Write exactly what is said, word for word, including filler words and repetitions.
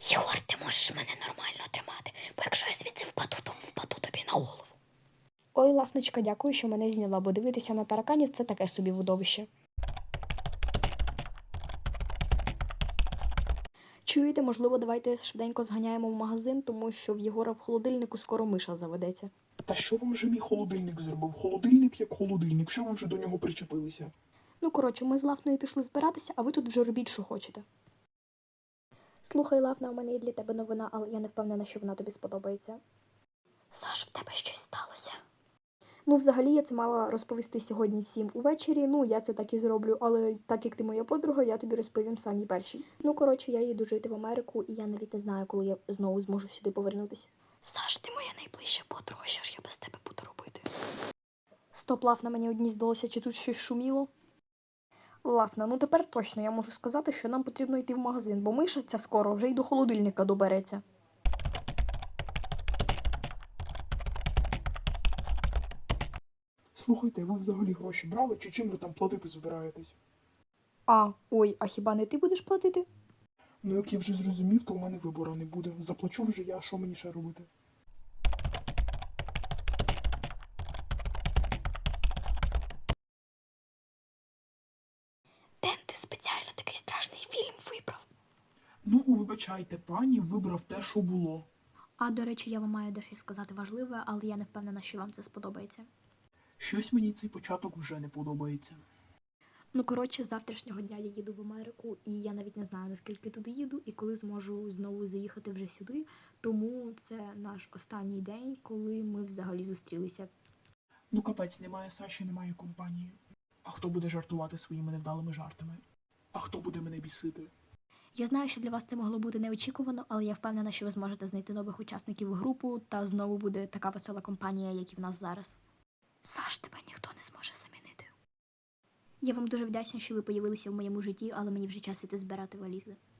Єгор, ти можеш мене нормально тримати, бо якщо я звідси впаду, то впаду тобі на голову. Ой, Лафночка, дякую, що мене зняла, бо дивитися на тараканів – це таке собі видовище. Чуєте, можливо, давайте швиденько зганяємо в магазин, тому що в Єгора в холодильнику скоро миша заведеться. Та що вам вже мій холодильник зробив? Холодильник як холодильник, що ви вже до нього причепилися? Ну, коротше, ми з Лафною пішли збиратися, а ви тут вже робіть, що хочете. Слухай, Лафна, у мене є для тебе новина, але я не впевнена, що вона тобі сподобається. Саш, в тебе щось сталося? Ну, взагалі, я це мала розповісти сьогодні всім увечері, ну, я це так і зроблю, але так як ти моя подруга, я тобі розповім самі перші. Ну, коротше, я їду жити в Америку, і я навіть не знаю, коли я знову зможу сюди повернутися. Саш, ти моя найближча подруга, що ж я без тебе буду робити? Стоп, Лафна, мені одні здалося, чи тут щось шуміло? Лафна, ну тепер точно я можу сказати, що нам потрібно йти в магазин, бо миша ця скоро вже й до холодильника добереться. Слухайте, ви взагалі гроші брали, чи чим ви там платити збираєтесь? А, ой, а хіба не ти будеш платити? Ну як я вже зрозумів, то в мене вибору не буде. Заплачу вже я, що мені ще робити? Ден, ти спеціально такий страшний фільм вибрав. Ну, вибачайте, пані вибрав те, що було. А, до речі, я вам маю дещо сказати важливе, але я не впевнена, що вам це сподобається. Щось мені цей початок вже не подобається. Ну, коротше, з завтрашнього дня я їду в Америку, і я навіть не знаю, наскільки туди їду, і коли зможу знову заїхати вже сюди. Тому це наш останній день, коли ми взагалі зустрілися. Ну капець, немає Саші, немає компанії. А хто буде жартувати своїми невдалими жартами? А хто буде мене бісити? Я знаю, що для вас це могло бути неочікувано, але я впевнена, що ви зможете знайти нових учасників в групу, та знову буде така весела компанія, як і в нас зараз. Саш, тебе ніхто не зможе замінити. Я вам дуже вдячна, що ви появилися в моєму житті, але мені вже час іти збирати валізи.